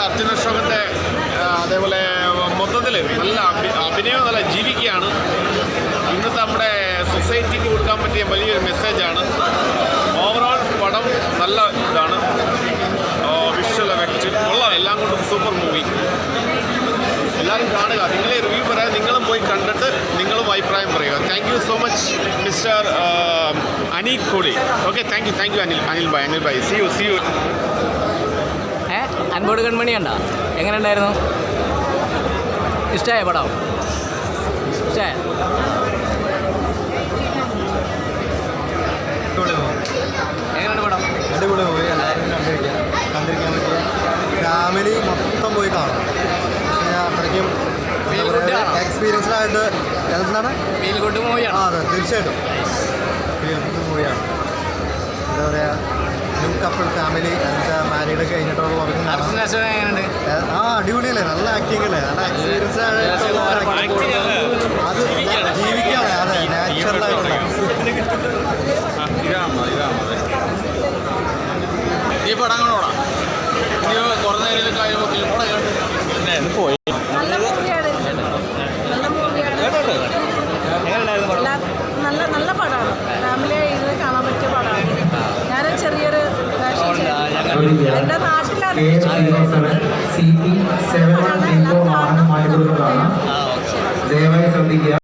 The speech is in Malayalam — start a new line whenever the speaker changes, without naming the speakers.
അർജുൻ അശോകൻ്റെ അതേപോലെ മൊത്തത്തിൽ നല്ല അഭിനയം നല്ല ജീവിക്കുകയാണ്. ഇന്നത്തെ നമ്മുടെ സൊസൈറ്റിക്ക് കൊടുക്കാൻ പറ്റിയ വലിയൊരു മെസ്സേജാണ്. ഓവറോൾ പടം നല്ല ഇതാണ്. വിഷ്വൽ എഫക്റ്റ് കൊള്ളാം, എല്ലാം കൊണ്ടും സൂപ്പർ മൂവി. എല്ലാവരും കാണുക. നിങ്ങളെ റിവ്യൂ പറയാൻ നിങ്ങളും പോയി കണ്ടിട്ട് നിങ്ങളും അഭിപ്രായം പറയുക. Thank you so much mister Anil Koli. Okay, thank you Anil bhai. See you.
Anpodu Kanmani കണ്ടോ? എങ്ങനെ ഉണ്ടായിരുന്നു? ഇഷ്ടമായ പടം? ഇഷ്ടമായ? എങ്ങനെയാണ് പടം?
അടിപൊളി മൂവി, എല്ലാവരും കണ്ടിരിക്കാൻ പറ്റിയ ഫാമിലി മൊത്തം പോയി കാണാം. അത്രയ്ക്കും എക്സ്പീരിയൻസ്ഡ് ആയിട്ട് എന്താണ്
ഫീൽ ഗുഡ് മൂവിയാണ്.
അതെ, തീർച്ചയായിട്ടും ഫീൽ ഗുഡ് മൂവിയാണ്. എന്താ പറയുക, ന്യൂ കപ്പിൾ ഫാമിലി മാരീഡ് കഴിഞ്ഞിട്ടുള്ളവർക്ക് അടിപൊളിയല്ലേ, നല്ല ആക്ടിങ് അല്ലേ, നല്ല എക്സ്പീരിയൻസ് ആയിട്ടുള്ള അത് ജീവിക്കാണ്. അതെ, നാച്ചുറലായിട്ടുള്ള
ഈ പടം കാണോടാ, ഇനി കുറഞ്ഞ നേരം കഴിയുമ്പോൾ പോയി.
നല്ല പടമാണ്. ഫാമിലി ഇരുന്ന് കാണാൻ പറ്റിയ പടമാണ്. ഞാൻ ചെറിയൊരു എൻ്റെ നാട്ടിലാണ്
ദയവായി ശ്രദ്ധിക്കുക.